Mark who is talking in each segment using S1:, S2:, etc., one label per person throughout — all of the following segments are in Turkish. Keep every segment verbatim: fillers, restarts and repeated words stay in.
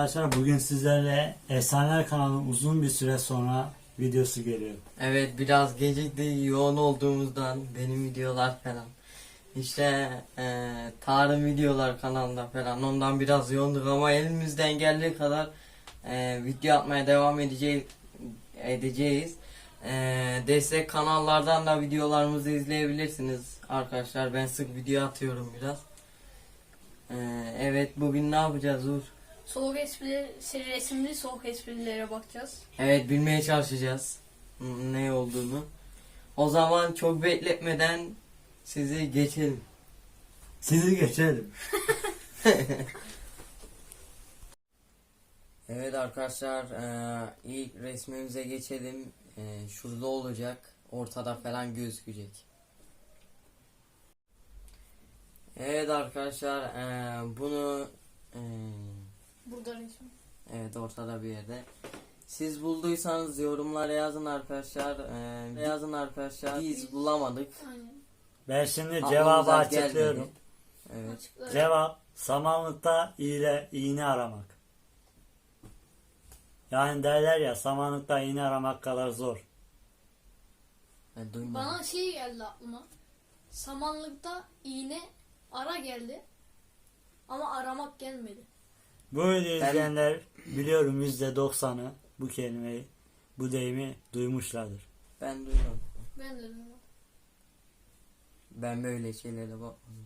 S1: arkadaşlar, bugün sizlerle Efsaneler kanalının uzun bir süre sonra videosu geliyor.
S2: Evet, biraz gecikti yoğun olduğumuzdan benim videolar falan. İşte e, tarım videolar kanalında falan ondan biraz yoğunduk ama elimizden geldiği kadar e, video atmaya devam edeceğiz. edeceğiz. E, destek kanallardan da videolarımızı izleyebilirsiniz arkadaşlar. Ben sık video atıyorum biraz. E, evet, bugün ne yapacağız Uğur?
S3: Soğuk esprileri, şey, resimli soğuk esprilere bakacağız.
S2: Evet, bilmeye çalışacağız ne olduğunu. O zaman çok bekletmeden sizi geçelim.
S1: Sizi geçelim.
S2: Evet arkadaşlar, e, ilk resmimize geçelim. E, şurada olacak, ortada falan gözükecek. Evet arkadaşlar, e, bunu e,
S3: Burada resim.
S2: evet, ortada bir yerde. Siz bulduysanız yorumlara yazın arkadaşlar. E, yazın arkadaşlar. Biz bulamadık.
S3: Aynen.
S1: Ben şimdi
S2: Aklımıza
S1: cevabı
S2: gelmedi.
S1: açıklıyorum.
S2: Evet.
S3: Açıklar.
S1: Cevap samanlıkta iğne, iğne aramak. Yani derler ya, samanlıkta iğne aramak kadar zor.
S2: Ben duymadım.
S3: Bana şey geldi aklıma. Samanlıkta iğne ara geldi. Ama aramak gelmedi.
S1: Bu videoyu izleyenler biliyorum yüzde doksanı bu kelimeyi, bu deyimi duymuşlardır.
S2: Ben duymadım.
S3: Ben de bilmiyorum.
S2: Ben böyle şeylere bakmadım.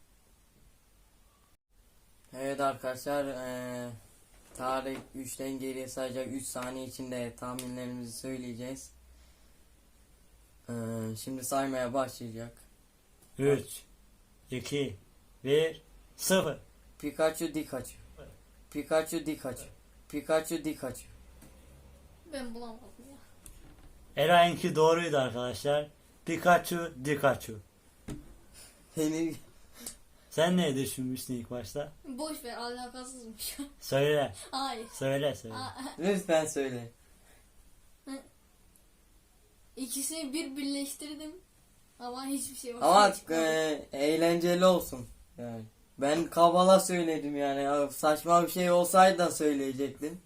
S2: Evet arkadaşlar, eee tarih üçten geriye sayacak, üç saniye içinde tahminlerimizi söyleyeceğiz. Eee, şimdi saymaya başlayacak.
S1: üç, iki, bir, sıfır.
S2: Pikachu Dikachu. Pikachu Dikachu. Pikachu Dikachu.
S3: Ben bulamadım ya.
S1: Eray'ınki doğruydu arkadaşlar. Pikachu, Dikachu.
S2: Henüz
S1: Sen ne düşünmüştün ilk başta?
S3: Boş ver, alakasızmış.
S1: Söyle,
S3: Hayır.
S1: söyle, söyle.
S3: Aa,
S2: lütfen söyle.
S3: İkisini bir birleştirdim. Ama hiçbir şey yok.
S2: Ama eee, eğlenceli olsun. Yani ben kabala söyledim yani. Ya, saçma bir şey olsaydı da söyleyecektim.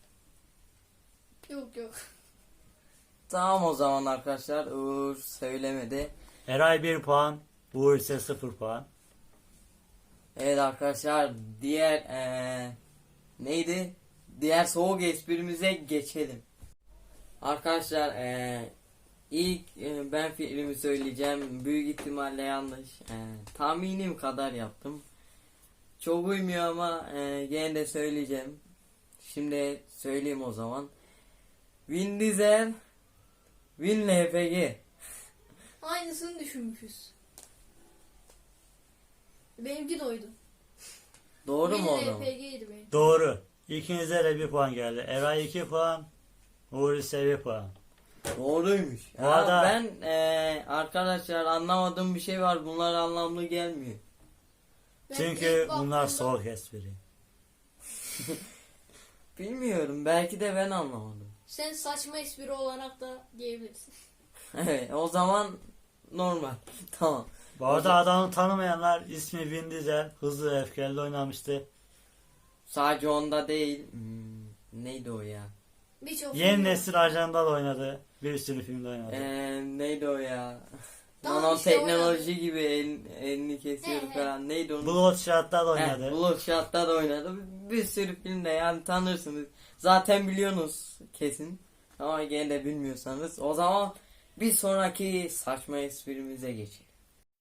S3: Yok yok.
S2: Tamam o zaman arkadaşlar, Uğur söylemedi.
S1: Eray bir puan, Uğur ise sıfır puan.
S2: Evet arkadaşlar, diğer eee, neydi? Diğer soğuk esprimize geçelim. Arkadaşlar, eee, ilk eee, ben fikrimi söyleyeceğim. Büyük ihtimalle yanlış. Eee, tahminim kadar yaptım. Çok uymuyor ama eee, gene de söyleyeceğim. Şimdi söyleyeyim o zaman. Vin Diesel, Vin L P G.
S3: Aynısını düşünmüşüz. Benimki de oydu.
S2: Doğru mu o
S3: Benim
S2: zaman?
S3: L P G'ydi benim.
S1: Doğru. İkinize de bir puan geldi. Eray iki puan, Uğur ise bir puan.
S2: Doğruymuş.
S1: Bu
S2: Ha,
S1: arada-
S2: ben eee, arkadaşlar anlamadığım bir şey var. Bunlar anlamlı gelmiyor.
S3: Ben
S1: Çünkü
S3: ilk
S1: bunlar
S3: baktığımda-
S1: soğuk espri.
S2: Bilmiyorum. Belki de ben anlamadım.
S3: Sen saçma espri olarak da diyebilirsin.
S2: Evet, o zaman normal. Tamam.
S1: Bu arada adamı tanımayanlar, ismi Vin Diesel, Hızlı ve Öfkeli'de oynamıştı.
S2: Sadece onda değil. Hmm, neydi o ya?
S3: Birçok
S1: Yeni
S3: film-
S1: nesil ajanda da oynadı. Bir sürü filmde oynadı.
S2: Ee, neydi o ya?
S3: Tamam,
S2: Nanoteknoloji
S3: işte
S2: gibi el, elini kesiyor
S3: He, he.
S2: falan. Neydi onun?
S1: Bloodshot'ta da
S2: He,
S1: oynadı.
S2: Bloodshot'ta da oynadı. Bir sürü filmde yani tanırsınız. Zaten biliyorsunuz kesin. Ama gene de bilmiyorsanız. O zaman bir sonraki saçma esprimize geçelim.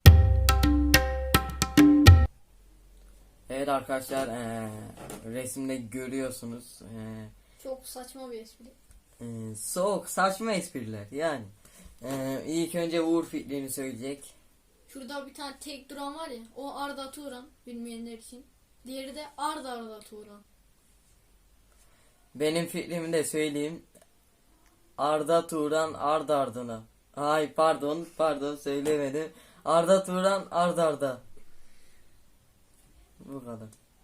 S2: Evet arkadaşlar, eee, resimde görüyorsunuz. Eee,
S3: Çok saçma bir espri.
S2: eee, soğuk saçma espriler yani. Eee ilk önce Uğur fikrini söyleyecek.
S3: Şurada bir tane tek duran var ya. O Arda Turan. Bilmeyenler için. Diğeri de Arda Arda Turan.
S2: Benim fikrimi de söyleyeyim. Arda Turan ard ardına. Ay pardon pardon söylemedim. Arda Turan ard arda. Bu kadar.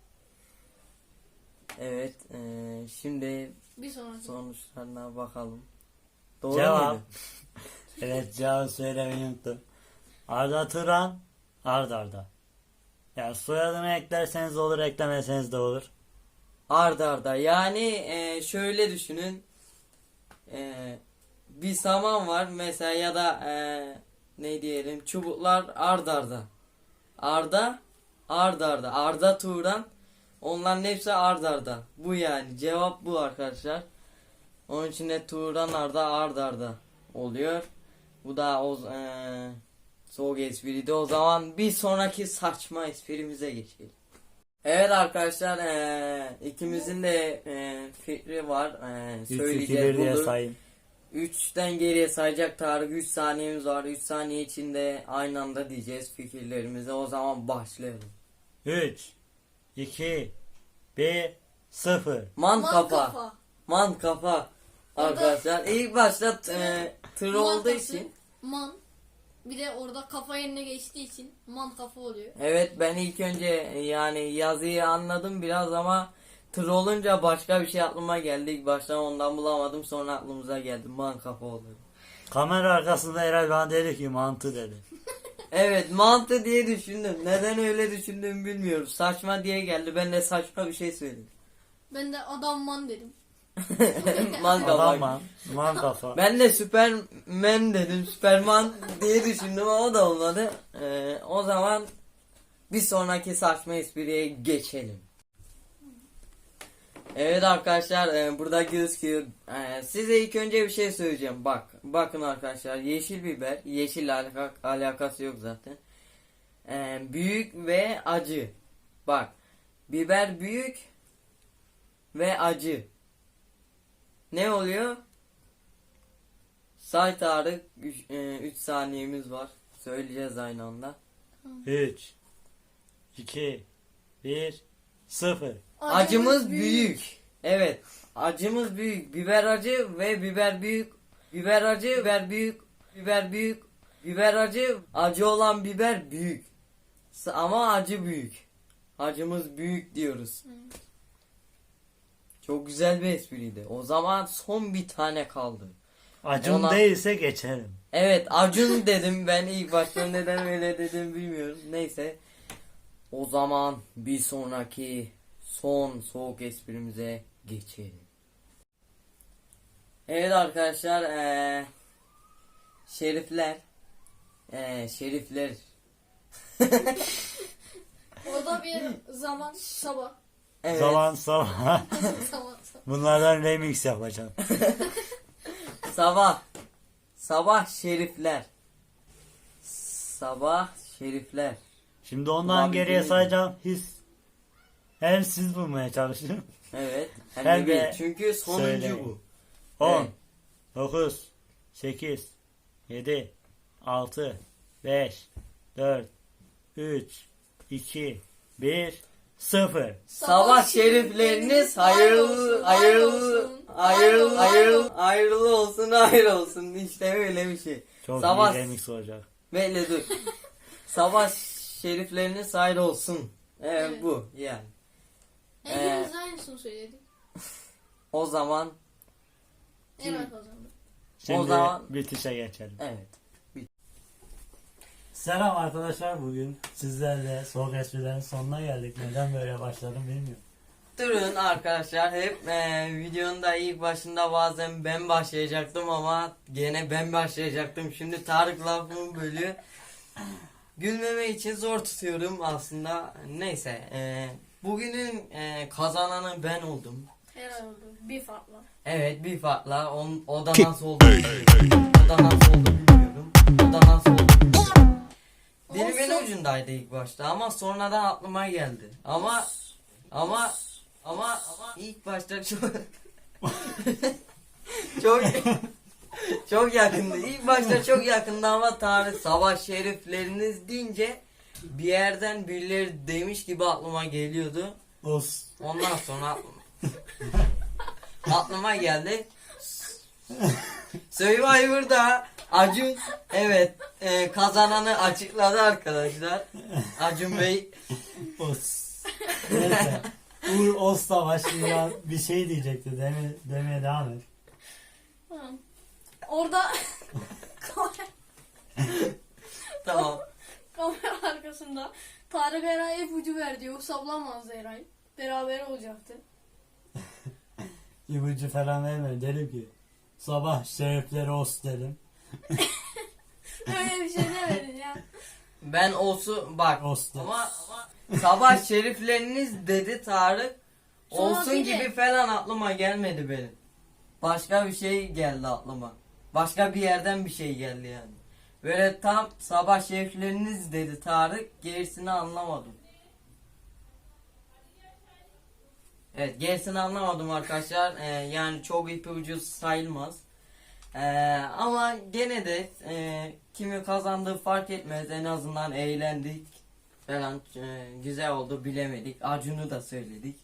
S2: Evet, eee, şimdi
S3: Bir sonraki.
S2: sonuçlarına bakalım. Doğru
S1: Cevap.
S2: muydu?
S1: Evet, cevabı söylemeyi unuttum. Arda Turan, Arda Arda. Yani soyadını eklerseniz olur, eklemeseniz de olur.
S2: arda arda. Yani e, şöyle düşünün. E, bir saman var mesela ya da e, ne diyelim çubuklar arda arda. Arda arda arda. Arda Turan. Onların hepsi arda arda. Bu yani. Cevap bu arkadaşlar. Onun için de Turan arda arda arda oluyor. Bu da o e, soğuk espriydi. O zaman bir sonraki saçma esprimize geçelim. Evet arkadaşlar e, ikimizin de e, fikri var. E,
S1: üç iki
S2: söyleyeceğiz
S1: bir diye
S2: bunu.
S1: sayın.
S2: üçten geriye sayacak Tarık. üç saniyemiz var. üç saniye içinde aynı anda diyeceğiz fikirlerimizi. O zaman başlayalım.
S1: üç iki bir sıfır.
S2: Man,
S3: Man
S2: kafa.
S3: kafa.
S2: Man kafa.
S3: Orada-
S2: Arkadaşlar ilk başta e, tır olduğu
S3: Markası
S2: için.
S3: Man. Bir de orada kafa yerine geçtiği için man kafa oluyor.
S2: Evet ben ilk önce yani yazıyı anladım biraz ama tır olunca başka bir şey aklıma geldi. İlk başta ondan bulamadım sonra aklımıza geldi. Man kafa oluyor.
S1: Kamera arkasında Eray bana dedi ki mantı dedi.
S2: Evet mantı diye düşündüm. Neden öyle düşündüğümü bilmiyorum. Saçma diye geldi. Ben de saçma bir şey söyledim.
S3: Ben de adam man dedim.
S2: Man
S1: Adam
S2: kafa.
S1: man, man kafa.
S2: Ben de Superman dedim. Superman diye düşündüm ama o da olmadı. Ee, o zaman bir sonraki saçma espriye geçelim. Evet arkadaşlar e, burada gözüküyor. E, size ilk önce bir şey söyleyeceğim. Bak, bakın arkadaşlar yeşil biber, yeşil alaka, alakası yok zaten. E, büyük ve acı. Bak, biber büyük ve acı. Ne oluyor? Say Tarık, üç saniyemiz var. Söyleyeceğiz aynı anda.
S1: üç iki bir sıfır.
S2: Acımız büyük. Evet. Acımız büyük. Biber acı ve biber büyük. Biber acı, biber büyük. Biber büyük. Biber acı. Acı olan biber büyük. S- Ama acı büyük. Acımız büyük diyoruz.
S3: Evet.
S2: Çok güzel bir espriydi. O zaman son bir tane kaldı.
S1: Acun
S2: Ona-
S1: değilse geçerim.
S2: Evet Acun dedim ben ilk başta neden öyle dedim bilmiyorum. Neyse. O zaman bir sonraki son soğuk esprimize geçelim. Evet arkadaşlar eee şerifler eee şerifler
S3: Orada bir zaman sabah.
S2: evet
S1: Zaman sabah.
S3: Sabah sabah.
S1: Bunlardan remix yapacağım.
S2: sabah sabah şerifler sabah şerifler
S1: Şimdi ondan
S2: Ulan
S1: geriye
S2: değil.
S1: sayacağım. His. Hem siz bulmaya çalışın.
S2: evet hem
S1: Hem
S2: de
S1: de
S2: bir. Çünkü sonuncu
S1: söyleyin.
S2: bu.
S1: on,
S2: Evet.
S1: dokuz, sekiz, yedi, altı, beş, dört, üç, iki, bir, sıfır.
S2: Sabah şerifleriniz hayırlı hayırlı hayırlı hayırlı hayırlı olsun hayır olsun işte öyle bir şey.
S1: Çok
S2: Sabah
S1: iyi remix olacak.
S2: bekle dur. Sabah şerifleriniz hayır olsun. Evet,
S3: Evet.
S2: bu yani.
S3: Hepimiz aynısını söyledik.
S2: O zaman
S3: Evet o zaman.
S1: Şimdi
S2: O zaman-
S1: bitişe geçelim.
S2: evet.
S1: Selam arkadaşlar, bugün sizlerle soğuk esprilerin sonuna geldik. Neden böyle başladım bilmiyorum.
S2: Durun arkadaşlar hep e, videonun da ilk başında bazen ben başlayacaktım ama gene ben başlayacaktım. Şimdi Tarık lafımı bölüyor. Gülmeme için zor tutuyorum aslında. Neyse e, bugünün e, kazananı ben oldum.
S3: Herhalde oldu. Bir farkla.
S2: Evet bir farkla on, o da nasıl oldu bilmiyorum. O da nasıl oldu bilmiyorum. O da nasıl oldu bilmiyorum. Dilimin
S3: Olsun.
S2: ucundaydı ilk başta ama sonradan aklıma geldi. Ama ama ama ama ilk başta çok çok çok yakındı. İlk başta çok yakındı ama Tanrı sabah şerifleriniz deyince bir yerden birileri demiş gibi aklıma geliyordu.
S1: Os.
S2: Ondan sonra aklıma, aklıma geldi. Survivor'da Acun evet e, kazananı açıkladı arkadaşlar. Acun Bey
S1: Os. Neyse. Uğur Os'la başlayan bir şey diyecekti. Deme, demeye devam et.
S3: Tamam. Orada kamera,
S2: tamam.
S3: kamera arkasında Tarık Eray'a ipucu verdi. Yoksa bulamazdı Eray. Beraber olacaktı.
S1: ipucu falan vermedim. Dedim ki sabah şerifleri olsun dedim.
S3: Öyle bir şey demedin ya.
S2: Ben olsun bak
S1: Olsun.
S2: ama, ama sabah şerifleriniz dedi Tarık.
S3: Sonra
S2: Olsun
S3: bir de-
S2: gibi falan aklıma gelmedi benim. Başka bir şey geldi aklıma. Başka bir yerden bir şey geldi yani. Böyle tam sabah şerifleriniz dedi Tarık, gerisini anlamadım. Evet, gerisini anlamadım arkadaşlar. Ee, yani çok ipucu sayılmaz. Ee, ama gene de e, kimi kazandığı fark etmez. En azından eğlendik falan. E, güzel oldu, bilemedik. Acun'u da söyledik.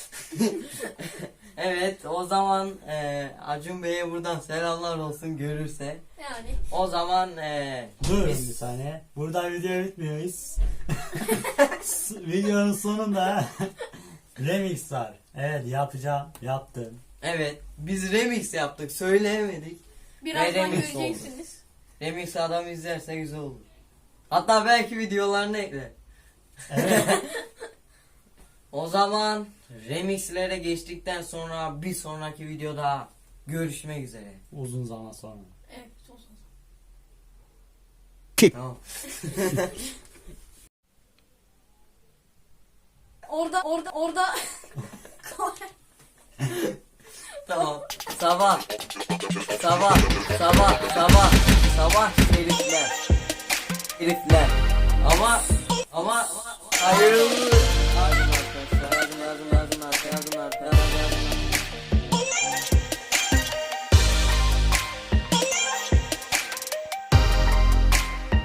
S2: Evet, o zaman e, Acun Bey'e buradan selamlar olsun görürse.
S3: Yani.
S2: O zaman e,
S1: Dur
S2: biz-
S1: bir saniye. Burada video bitmiyoruz. Videonun sonunda remix var. Evet yapacağım. Yaptım.
S2: evet, biz remix yaptık, söyleyemedik.
S3: Birazdan
S2: remix
S3: göreceksiniz.
S2: Remix adam izlerse güzel olur. Hatta belki videolarını ekler.
S1: Evet.
S2: O zaman remixlere geçtikten sonra bir sonraki videoda görüşmek üzere.
S1: Uzun zaman sonra.
S3: Evet, son son.
S2: Tamam.
S3: Orada orada orada
S2: Tamam. Sabah. Sabah. Sabah. Sabah. Sabah herifler. Herifler. Ama ama hayırlı. Lazım arkadaşlar. Lazım lazım lazım lazım lazım lazım.